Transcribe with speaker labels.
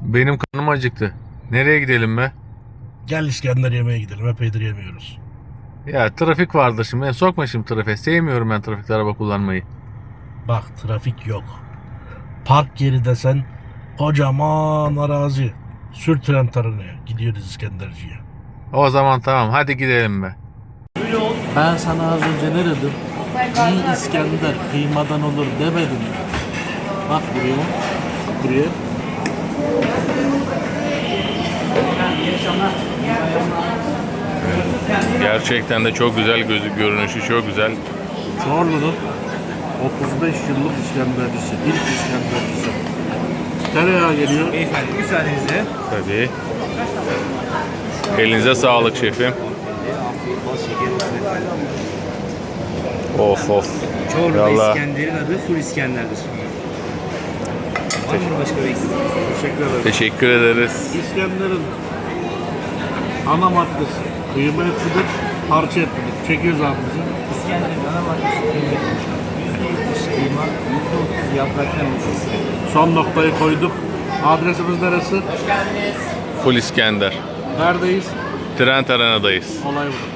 Speaker 1: Benim karnım acıktı. Nereye gidelim be?
Speaker 2: Gel İskender yemeğe gidelim. Epeydir yemiyoruz.
Speaker 1: Ya trafik vardır şimdi. Beni sokma şimdi trafiğe. Sevmiyorum ben trafikte araba kullanmayı.
Speaker 2: Bak trafik yok. Park yeri desen kocaman arazi. Sür tren tarınaya. Gidiyoruz İskenderci'ye.
Speaker 1: O zaman tamam, hadi gidelim be.
Speaker 2: Ben sana az önce ne dedim? İyi İskender kıymadan olur demedim mi? Bak buraya. Buraya.
Speaker 1: Gerçekten de çok güzel görünüşü çok güzel.
Speaker 2: Çorlu'nun 35 yıllık İskendercisi. İlk İskendercisi. Tereyağı geliyor.
Speaker 3: Beyefendi müsaadenizle.
Speaker 1: Tabii. Elinize sağlık şefim.
Speaker 3: Afiyet bal şeker olsun efendim.
Speaker 1: Of of.
Speaker 3: Çorlu'da
Speaker 1: Vallahi.
Speaker 3: İskender'in adı Full İskender'dir. Var mı başka bir eksik?
Speaker 2: Teşekkür ederim.
Speaker 1: Teşekkür ederiz.
Speaker 2: İskender'in ana maddesi kıyma etidir, parça etidir. Çekiyoruz abimizi.
Speaker 3: İskender'in ana maddesi kıymet. %70 kıyma, %30 yapraktan oluşan İskender.
Speaker 2: Son noktayı koyduk. Adresimiz neresi?
Speaker 1: Full İskender.
Speaker 2: Neredeyiz?
Speaker 1: Trent Arena'dayız.
Speaker 2: Olay bu.